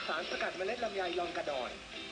สารสกัดเมล็ดลำไยยองกระดอน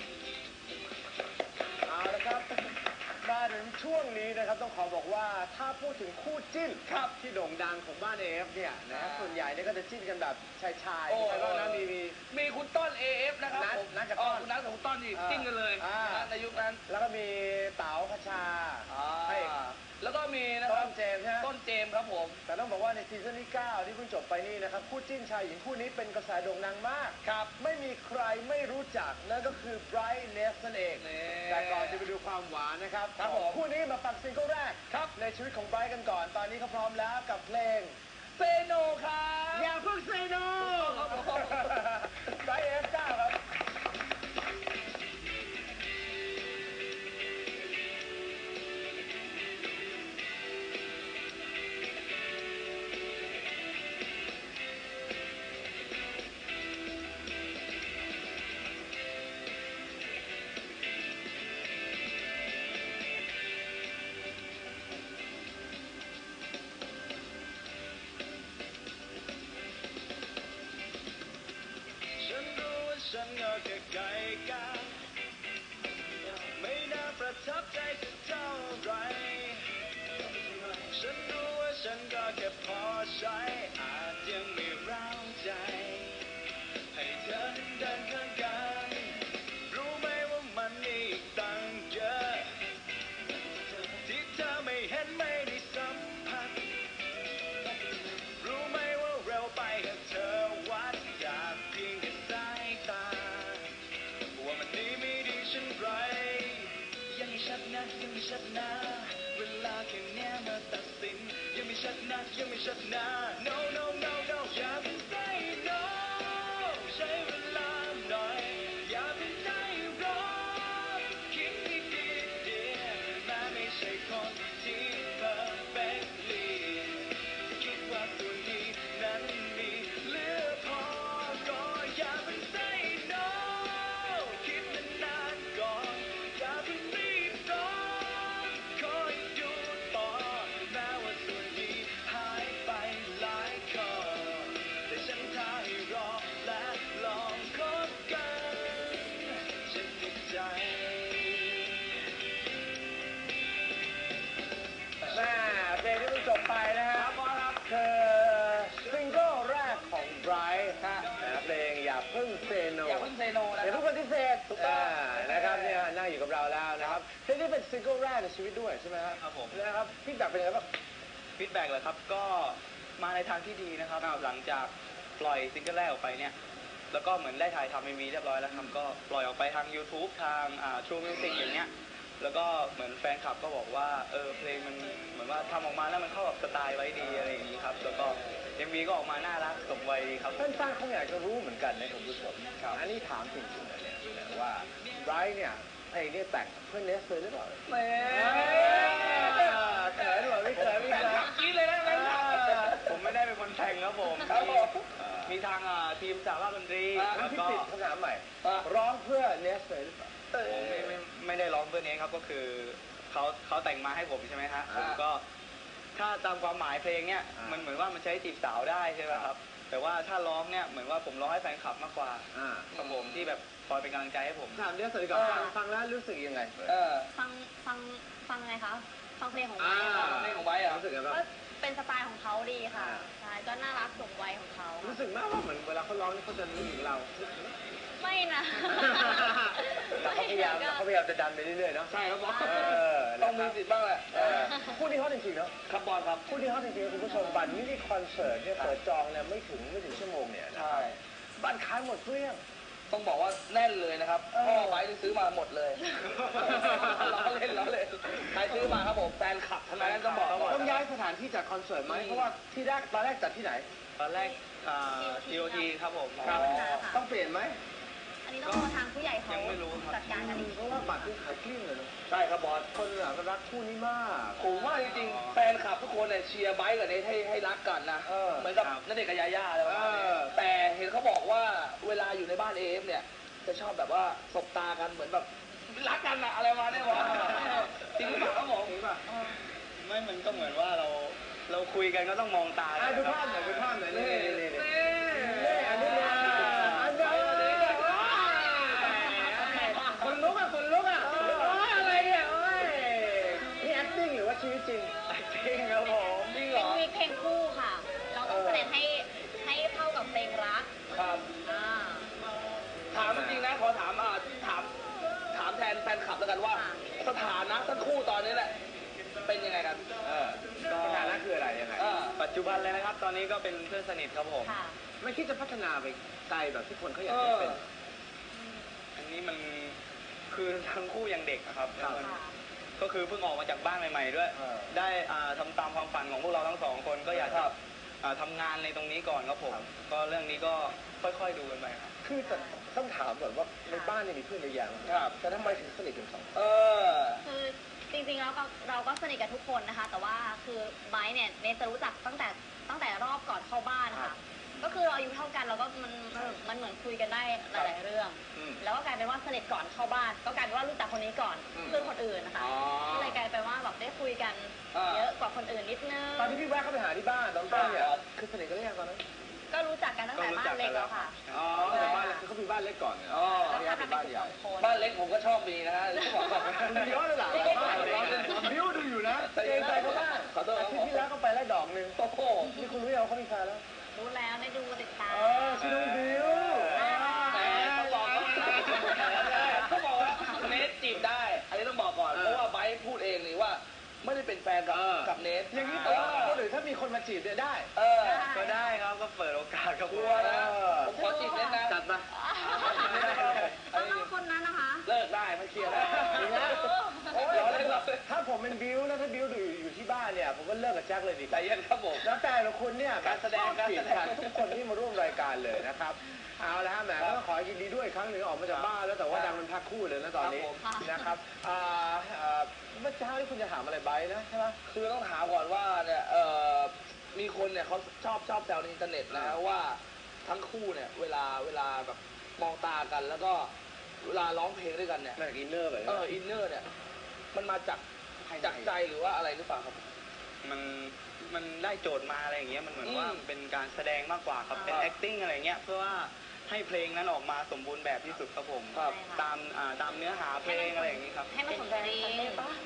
เอาละครับมาถึงช่วงนี้นะครับต้องขอบอกว่าถ้าพูดถึงคู่จิ้นครับที่โด่งดังของบ้านเอฟเนี่ยนะครับส่วนใหญ่เนี่ยก็จะจิ้นกันแบบชายใครบ้างนะมีคุณต้น AF นะครับผมนัทกับต้นคุณนัทกับคุณต้นนี่จิ้นกันเลยในยุคนั้นแล้วก็มีเต๋าคชาแล้วก็มีนะครับต้นเจมส์ต้นเจมส์ครับผมแต่ต้องบอกว่าในซีซั่นที่9ที่เพิ่งจบไปนี่นะครับคู่จิ้นชายหญิงคู่นี้เป็นกระแสโด่งดังมากครับไม่มีใครไม่รู้จักนั่นก็คือไบรท์เนสนั่นเองแต่ก่อนจะไปดูความหวานนะครับคู่นี้มาฟังซิงเกิลแรกครับในชีวิตของไบรท์กันก่อนตอนนี้เขาพร้อมแล้วกับเพลงเซโนครับอย่าเพิ่งเซโนไบรท์F9ครับฉันก็แค่ไก่กาไม่น่าประทับใจสักเท่าไรฉันรู้ว่าฉันก็แค่พอใช้อาจยังไม่ร้าวใจให้เธอนั้นเดินข้างกันรู้ไหมว่ามันอีกตั้งเยอะที่เธอไม่เห็นไม่ได้สัมผัสรู้ไหมว่าเร็วไปหากเธอวัดจากเพียงแค่สายตาว่ามันดีไม่ดีฉันไรยังไม่ชัดนะยังไม่ชัดนะเวลาแค่เนี้ยมาตัดสินยังไม่ชัดนะยังไม่ชัดนะ no no no no อย่าเพิ่ง say no ใช้เวลาหน่อยอย่าเพิ่งใจร้อนคิดดีดีแม้ไม่ใช่คนที่ perfectly คิดว่าตัวนี้นั้นมีเหลือพอก็อย่าเพิ่ง say no คิดนานๆก่อนอย่าเพิ่งรีบร้อนคอยดูต่อแม้ว่าส่วนนี้หายไปหลายข้อแต่ฉันท้าให้รอและลองคบกันฉันติดใจเพลงที่เพิ่งจบไปนะฮะคือซิงเกิลแรกของไบรท์เพลงอย่าเพิ่งเซโนอย่าเพิ่งเซโนนะอย่าเพิ่งปฏิเสธถูกต้องนะครับเนี่ยนั่งอยู่กับเราแล้วนะครับเพลงนี้เป็นซิงเกิลแรกในชีวิตด้วยใช่ไหมครับผมนะครับฟีดแบ็กเป็นยังไงบ้างฟีดแบ็กเลยครับก็มาในทางที่ดีนะครับหลังจากปล่อยซิงเกิลแรกออกไปเนี่ยแล้วก็เหมือนได้ถ่ายทำMVเรียบร้อยแล้วครับก็ปล่อยออกไปทาง YouTube ทาง True Music อย่างเงี้ยแล้วก็เหมือนแฟนคลับก็บอกว่าเพลงมันเหมือนว่าทำออกมาแล้วมันเข้ากับสไตล์ไว้ดีอะไรอย่างนี้ครับแล้วก็MVก็ออกมาน่ารักสมวัยดีครับแฟนๆเขาอยากจะรู้เหมือนกันนะคุณผู้ชมอันนี้ถามจริงๆเลยเนี่ยว่าไบรท์เนี่ยเพลงนี้แต่งเพื่อเนสเลยหรือเปล่าแหมเขินหรือเปล่าไม่เขินไม่เขินคิดเลยนะผมไม่ได้เป็นคนแต่งครับผมมีทางทีมจากภาคดนตรีแล้วก็คำถามใหม่ร้องเพื่อเนสเลยหรือเปล่าไม่ได้ร้องเพื่อเนสครับก็คือเขาแต่งมาให้ผมใช่ไหมฮะผมก็ถ้าตามความหมายเพลงเนี่ยมันเหมือนว่ามันใช้จีบสาวได้ใช่ไหมครับแต่ว่าถ้าร้องเนี่ยเหมือนว่าผมร้องให้แฟนคลับมากกว่าครับผมที่แบบคอยเป็นกำลังใจให้ผมถามเนสเลยก่อนฟังแล้วรู้สึกยังไงฟังไงคะฟังเพลงของไบเพลงของไบรู้สึกยังไงก็เป็นสไตล์ของเขาดีค่ะใช่ก็น่ารักสมวัยของเขารู้สึกมากว่าเหมือนเวลาเขาร้องนี่เขาจะนึกถึงเราไม่นะเขาพยายามจะดันไปเรื่อยๆเนาะใช่ครับต้องมีสิทธิ์บ้างแหละคู่นี้ฮอตจริงๆเนาะครับบอลครับคู่นี้ฮอตจริงๆคุณผู้ชมบัตรมินิคอนเสิร์ตเนี่ยเปิดจองเนี่ยไม่ถึงชั่วโมงเนี่ยใช่บัตรขายหมดเกลี้ยงต้องบอกว่าแน่นเลยนะครับพ่อไบที่ซื้อมาหมดเลยเราเล่นใครซื้อมาครับผมแฟนคลับทั้งนั้นต้องย้ายสถานที่จัดคอนเสิร์ตไหมเพราะว่าที่แรกตอนแรกจัดที่ไหนตอนแรกTOT ครับผมต้องเปลี่ยนไหมอันนี้ต้องรอทางผู้ใหญ่เขาจัดการกันเองเพราะว่าบัตรที่ขายเกลี้ยงเลยใช่ครับบอสคนรักคู่นี้มากผมว่าจริงๆแฟนคลับทุกคนเนี่ยเชียร์ไบค์กับเนทให้รักกันนะเหมือนกับณเดชน์กับยาย่าอะไรแบบนี้แต่เห็นเขาบอกว่าเวลาอยู่ในบ้านเอฟเนี่ยจะชอบแบบว่าสบตากันเหมือนแบบรักกันอะอะไรมาเนี่ยว่าจริงหรือเปล่าครับผมไม่มันก็เหมือนว่าเราคุยกันก็ต้องมองตาดูภาพหน่อยนี่อันนี้กันเลยนะครับ ตอนนี้ก็เป็นเพื่อนสนิทครับผมค่ะไม่คิดจะพัฒนาไปไกลแบบที่คนเขาอยากให้เป็นอันนี้มันคือทั้งคู่ยังเด็กอะครับครับมันก็คือเพิ่งออกมาจากบ้านใหม่ๆด้วย ได้ทำตามความฝันของพวกเราทั้งสองคนก็อยากจะทำงานในตรงนี้ก่อนครับผม ก็เรื่องนี้ก็ค่อยๆดูกันไปครับคือแต่ต้องถามก่อนว่าในบ้านเนี่ยมีเพื่อนเยอะแยะครับแต่ทำไมถึงสนิทกันสองคนคือจริงๆแล้วเราก็สนิทกับทุกคนนะคะ แต่ว่าคือไบร์ทเนี่ยเนทจะรู้จักตั้งแต่รอบก่อนเข้าบ้านค่ะ ก็คือเราอายุเท่ากันเราก็มันเหมือนคุยกันได้หลายๆเรื่อง แล้วก็กลายเป็นว่าสนิทก่อนเข้าบ้าน ก็กลายเป็นว่ารู้จักคนนี้ก่อนเพื่อนคนอื่นนะคะก็เลยกลายเป็นว่าแบบได้คุยกันเยอะกว่าคนอื่นนิดนึงตอนที่พี่แวะเข้าไปหาที่บ้านตอนต้นเนี่ยคือสนิทกันหรือยังตอนนั้นก็รู้จักกันตั้งแต่บ้านเล็กแล้วค่ะอ๋อแต่บ้านเล็กเขามีบ้านเล็กก่อนเนี่ยอ๋อเขาย้ายไปบ้านใหญ่บ้านเล็กผมก็ชอบมีนะฮะที่บอกก่อนคุณเยอะเลยล่ะบ้านเราบิวดูอยู่นะเกรงใจเขาบ้างขอโทษครับที่ที่แล้วก็ไปแล้วดอกหนึ่งโอ้โหนี่คุณรู้ยังเขามีแฟนแล้วรู้แล้วได้ดูติดตามชื่อน้องบิวแหมเขาบอกว่าเนทจีบได้ อันนี้ต้องบอกก่อน เพราะว่าไบร์ทพูดเองนี่ว่าไม่ได้เป็นแฟนกับเนทอย่างนี้ตัวคนอื่นถ้ามีคนมาจีบเนี่ยได้ก็ได้ครับก็เปิดโอกาสครับกลัวนะผมขอจีบเนทนะจัดมาต้องเล่าคนนั้นนะคะเลิกได้ไม่เคลียร์แล้วดีนะโอ้ยเล่นเราถ้าผมเป็นบิวแล้วถ้าบิวอยู่ที่บ้านเนี่ยผมก็เลิกกับแจ็คเลยดีใจเย็นครับผมแล้วแต่ละคนเนี่ยการแสดงชอบจีบกันทุกคนที่มาร่วมรายการเลยนะครับเอาละฮะแหมก็ต้องขอยินดีด้วยอีกครั้งหนึ่งออกมาจากบ้านแล้วแต่ว่าดังเป็นแพ็คคู่เลยนะตอนนี้นะครับเมื่อเช้าที่คุณจะถามอะไรไบร์ทนะใช่ไหมคือต้องถามก่อนว่าเนี่ยมีคนเนี่ยเขาชอบแซวในอินเทอร์เน็ตนะว่าทั้งคู่เนี่ยเวลาแบบมองตากันแล้วก็เวลาร้องเพลงด้วยกันเนี่ยมาจากอินเนอร์แบบอินเนอร์เนี่ยมันมาจากใจหรือว่าอะไรหรือเปล่าครับมันได้โจทย์มาอะไรอย่างเงี้ยมันเหมือนว่าเป็นการแสดงมากกว่าครับเป็น acting อะไรเงี้ยเพื่อว่าให้เพลงนั้นออกมาสมบูรณ์แบบที่สุดครับผมครับตามเนื้อหาเพลงอะไรอย่างงี้ครับให้มันสมจริง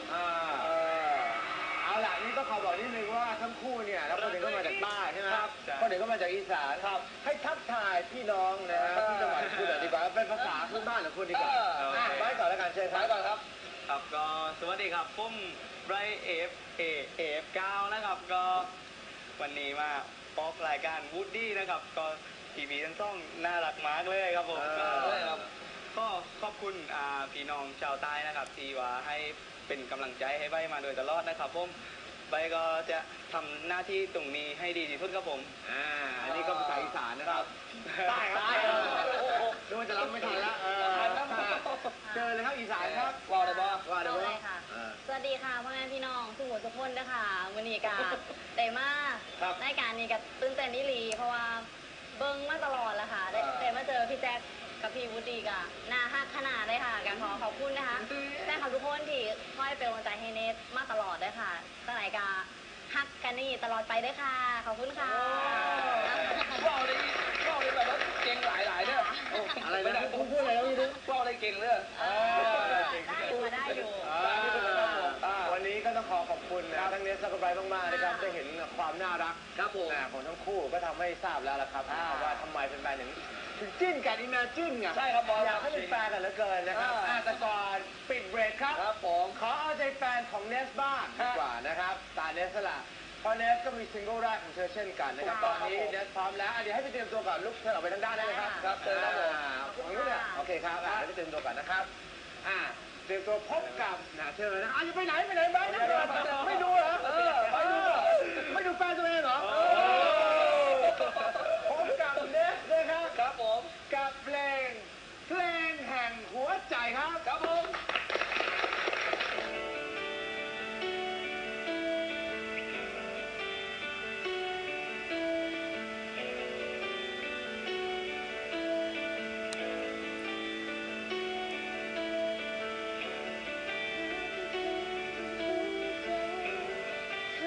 เอาล่ะนี่ต้องขอบอกนิดนึงว่าทั้งคู่เนี่ยแล้วคนหนึ่งก็มาจากใต้ใช่ไหมครับใช่คนหนึ่งก็มาจากอีสานให้ทักทายพี่น้องนะฮะที่จังหวัดคุณดีกว่าเป็นภาษาพื้นบ้านของคุณดีกว่าไว้ก่อนแล้วกันเชิญคท้ารัยบก่อนครับครับก็สวัสดีครับผมไบรท์เอฟเก้านะครับก็วันนี้มาออกรายการวูดดี้นะครับก็ทีวีทั้งช่องน่ารักมากเลยครับผมก็ขอบคุณพี่น้องชาวใต้นะครับที่ว่าให้เป็นกำลังใจให้ใบมาโดยตลอดนะครับผมใบก็จะทำหน้าที่ตรงนี้ให้ดีที่สุดครับผมอันนี้ก็ภาษาอีสานนะครับใต้ครับดูว่าจะรับไม่ทันละเจอเลยครับอีสานครับว่าอะไรบ้างว่าได้เอาไหมเลยค่ะ สวัสดีค่ะพ่อแม่พี่น้องทุกคนทุกคนนะคะวันนี้กาได้มาในการนี้กับตื่นเต้นนิลีเพราะว่าเบิ้งมาตลอดแล้วค่ะได้มาเจอพี่แจ๊คกับพี่วุฒิกะน่าฮักขนาดเลยค่ะการขอบคุณนะคะแฟนคลับทุกคนที่คอยเป็นกำลังใจให้เนทมาตลอดเลยค่ะตั้งแต่กาฮักกันนี่ตลอดไปด้วยค่ะขอบคุณค่ะว่าอะไรแบบว่าเก่งหลายเนี่ยอะไรนะพูดอะไรแล้วไม่รู้ว่าอะไรเก่งเลยได้อยู่วันนี้ก็ต้องขอบคุณนะทั้งเนสและก็ไบรท์มากๆนะครับได้เห็นความน่ารักครับผมของทั้งคู่ก็ทำให้ทราบแล้วละครับว่าทำไมเป็นแฟนถึงจิ้นกันอิมเมจิ้นไงใช่ครับบอลอยากให้เป็นแฟนกันเหลือเกินนะครับแต่ก่อนปิดเบรกครับครับผมขอเอาใจแฟนของเนสบ้างดีกว่านะครับตาเนสละเพราะเนสก็มีซิงเกิลแรกของเธอเช่นกันนะครับตอนนี้เนสพร้อมแล้วเดี๋ยวให้ไปเตรียมตัวก่อนลุกเธอออกไปทางด้านได้เลยครับครับเชิญครับผมของนู้นเนี่ยโอเคครับเดี๋ยวไปเตรียมตัวก่อนนะครับเตรียมตัวพบกับเธอนะจะไปไหนบ้างไม่ดูเหรอไม่ดูแฟนตัวเองเหรอพบกับเนสเลยครับครับผมกับเพลงแห่งหัวใจครับครับผมเธอ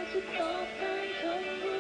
จะตอบแทนคำว่า